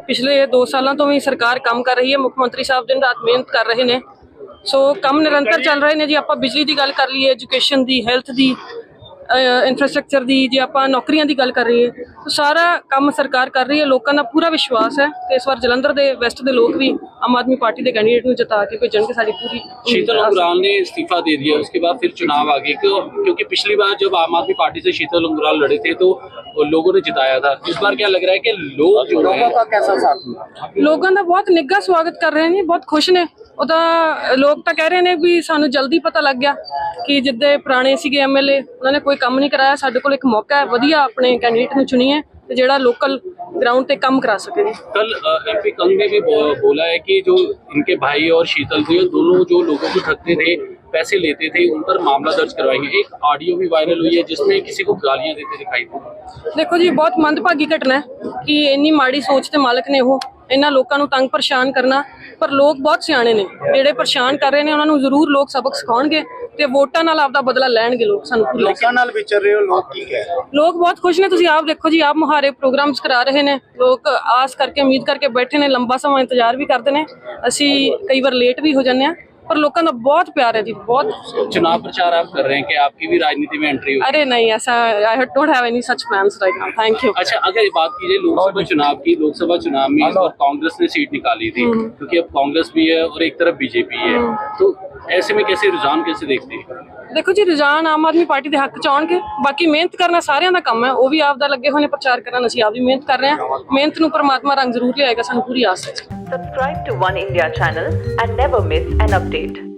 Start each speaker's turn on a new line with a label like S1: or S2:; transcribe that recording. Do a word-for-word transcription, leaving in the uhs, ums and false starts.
S1: पिछले दो सालों तो भी सरकार काम कर रही है, मुख्य मंत्री साहब दिन रात मेहनत कर रहे हैं। सो काम निरंतर चल रहे हैं जी। आप बिजली की गल कर लीए, एजुकेशन की, हैल्थ की, इंफ्रास्ट्रक्चर की, जे आप नौकरियों की गल कर रही है तो सारा काम सरकार कर रही है। लोगों का पूरा विश्वास है कि इस बार जलंधर के वैस्ट के लोग भी आम आदमी पार्टी के कैंडीडेट को जिता के भेजन के सारी पूरी।
S2: शीतल उंगराल ने इस्तीफा दे दिया, उसके बाद फिर चुनाव आ गए, क्यों? क्योंकि पिछली बार जब आम आदमी पार्टी से शीतल उंगराल लड़े थे तो लोगों ने जिताया था। इस बार क्या लग रहा है कि लोग जो है
S3: कैसा साथ मिला?
S1: लोगों का बहुत निग्घा स्वागत कर रहे हैं, बहुत खुश ने। ਉਹਦਾ ਲੋਕ ਤਾਂ ਕਹਿ ਰਹੇ ਨੇ ਵੀ ਸਾਨੂੰ ਜਲਦੀ ਪਤਾ ਲੱਗ ਗਿਆ ਕਿ ਜਿੱਦੇ ਪੁਰਾਣੇ ਸੀਗੇ ਐਮਐਲਏ ਉਹਨਾਂ ਨੇ ਕੋਈ ਕੰਮ ਨਹੀਂ ਕਰਾਇਆ। ਸਾਡੇ ਕੋਲ ਇੱਕ ਮੌਕਾ ਹੈ, ਵਧੀਆ ਆਪਣੇ ਕੈਂਡੀਡੇਟ ਨੂੰ ਚੁਣੀਏ ਤੇ ਜਿਹੜਾ ਲੋਕਲ ग्राउंड पे कम करा सके।
S2: कल एमपी कंग ने भी बोला है कि जो इनके भाई और शीतल थे दोनों जो लोगों को ठगते थे, पैसे लेते थे, उन पर मामला दर्ज करवाएंगे। एक ऑडियो भी वायरल हुई है जिसमें किसी को गालियां देते दिखाई दी।
S1: देखो जी, बहुत मंदभागी घटना है कि इन्नी माड़ी सोच के मालक ने वो इन्होंने लोगों को तंग परेशान करना। पर लोग बहुत सियाणे ने, जेडे परेशान कर रहे हैं उन्होंने जरूर लोग सबक सिखाएंगे ते वोटां नाल आपदा बदला लैणगे। लोग सानू पूरी
S3: लोकां नाल विचर रहे हो, लोग की कह रहे?
S1: लोग बहुत खुश ने। तुसीं आप देखो जी, आप मुहारे प्रोग्राम्स करा रहे ने, लोग आस करके उम्मीद करके बैठे ने, लंबा समय इंतजार भी करते हैं। असी कई बार लेट भी हो जाते हैं, पर लोगों का बहुत प्यार है जी। बहुत
S2: चुनाव प्रचार आप कर रहे हैं कि आपकी भी राजनीति में एंट्री हो?
S1: अरे नहीं, ऐसा I don't have any such plans right now, thank you.
S2: अच्छा, अगर बात कीजिए लोकसभा चुनाव की, लोकसभा चुनाव में इस बार कांग्रेस ने सीट निकाली थी क्योंकि अब कांग्रेस भी है और एक तरफ बीजेपी है, तो ऐसे में कैसे रुझान कैसे देखते हैं?
S1: देखो जी, रुझान आम आदमी पार्टी के हक च आउणगे। बाकी मेहनत करना सारिਆਂ ਦਾ ਕੰਮ ਹੈ, ਉਹ ਵੀ ਆਪ ਦਾ ਲੱਗੇ ਹੋਏ ਨੇ ਪ੍ਰਚਾਰ ਕਰਨ, ਅਸੀਂ ਆਪ ਵੀ ਮਿਹਨਤ ਕਰ ਰਹੇ ਹਾਂ। ਮਿਹਨਤ ਨੂੰ ਪਰਮਾਤਮਾ ਰੰਗ ਜ਼ਰੂਰ ਲਿਆਏਗਾ, ਸਾਨੂੰ ਪੂਰੀ ਆਸ ਹੈ।
S4: Subscribe to One India channel and never miss an update.